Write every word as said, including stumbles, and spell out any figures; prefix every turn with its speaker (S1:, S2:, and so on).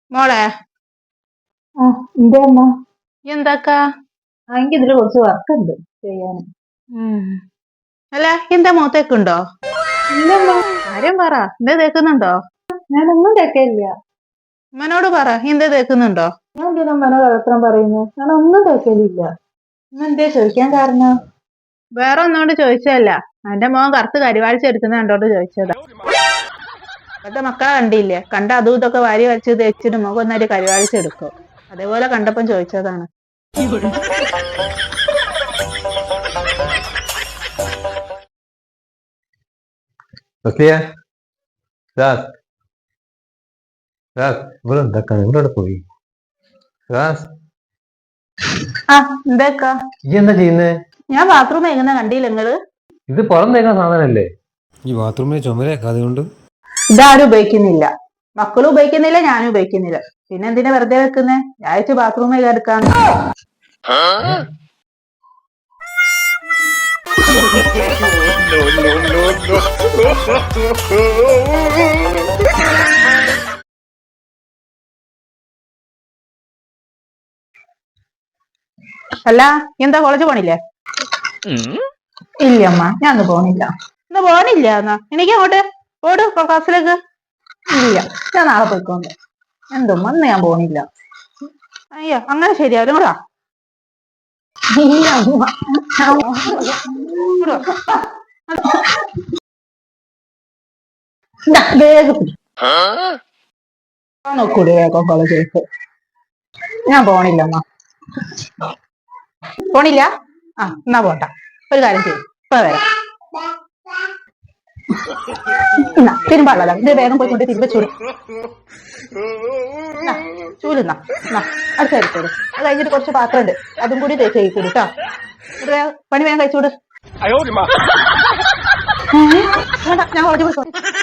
S1: മോളെ
S2: ആ എന്തേ അമ്മ?
S1: എന്താക്കാ?
S2: ആ എനിക്ക് ഇതില് കുറച്ച് വർക്ക് ഉണ്ട് ചെയ്യാൻ.
S1: ഉം. അല്ല എന്താ മുഖത്തേക്കുണ്ടോ?
S2: ഇല്ലമ്മ,
S1: കാര്യം പറ, എന്താ തേക്കുന്നുണ്ടോ?
S2: ഞാനൊന്നും തേക്കയില്ല.
S1: ഉമ്മനോട് പറ, എന്താ തേക്കുന്നുണ്ടോ?
S2: ഞാൻ എന്തിനാ അമ്മനെ കള്ളത്തരം പറയുന്നു? ഞാനൊന്നും തേക്കലില്ല. ഇന്ന് എന്തേ ചോദിക്കാൻ കാരണം?
S1: വേറെ ഒന്നോണ്ട് ചോദിച്ചതല്ല, എന്റെ മോൻ കറുത്ത് കരിവാളിച്ചെടുക്കുന്ന കണ്ടോണ്ട് ചോദിച്ചതാ. ഇപ്പത്തെ മക്കളെ കണ്ടില്ലേ, കണ്ട അതും ഇതൊക്കെ വാരി വലിച്ച് തേച്ചിട്ട് മുഖം ഒന്നായിട്ട് കരിവാളിച്ചെടുക്കും. അതേപോലെ കണ്ടപ്പം ചോദിച്ചതാണ്.
S3: ഇവിടെ എന്താക്കാണ് ഇവിടെ പോയി
S1: ആ എന്താക്കാ?
S3: ഈ എന്താ ചെയ്യുന്നേ?
S1: ഞാൻ ബാത്റൂം കഴിക്കുന്ന കണ്ടില്ല നിങ്ങള്?
S3: ഇത് പുറം തേക്കാൻ സാധനല്ലേ? ഈ ബാത്റൂമിലെ ചുമരൊക്കെ അതുകൊണ്ട്
S1: ഇതാരും ഉപയോഗിക്കുന്നില്ല, മക്കളും ഉപയോഗിക്കുന്നില്ല, ഞാനും ഉപയോഗിക്കുന്നില്ല. പിന്നെ എന്തിനാ വെറുതെ വെക്കുന്നേ? ഞായച്ച് ബാത്റൂമിൽ എടുക്കാന്ന്. അല്ല എന്താ കോളേജ് പോണില്ലേ?
S2: ഇല്ലമ്മ, ഞാൻ ഒന്ന് പോണില്ല.
S1: ഇന്ന് പോണില്ല എന്നാ എനിക്ക് അങ്ങോട്ട് ഓട് ക്ലാസ്സിലേക്ക്.
S2: ഇല്ല, ഞാൻ നാളെ പോയിക്കോണ്ട്. എന്തുമ്മ ഇന്ന് ഞാൻ പോണില്ല.
S1: അയ്യോ അങ്ങനെ ശരിയാവും കൂടാ.
S2: ഇല്ല അമ്മ, ഞാൻ ഇതാ, വേഗം പിടി. നോക്കൂടി വേഗം കോളേജിലേക്ക്. ഞാൻ പോണില്ലമ്മ.
S1: പോണില്ല? ആ എന്നാ പോണ്ട, ഒരു കാര്യം ചെയ്യും, ഇപ്പൊ വരാം.
S2: എന്നാ തിരുമ്പാളല്ല, ഇത് വേഗം പോയിക്കൊണ്ട് തിരുമ്പ ചൂട്
S1: ചൂലെന്നാ അടുത്ത കഴിച്ചോട്. അത് കഴിഞ്ഞിട്ട് കുറച്ച് പാത്രം ഉണ്ട്, അതും കൂടി തേച്ച് കഴിക്കൂടി കേട്ടോ. ഇത് വേഗം പണി വേഗം കഴിച്ചോട്.
S2: ഞാൻ കോളേജിൽ പോയിക്കോ.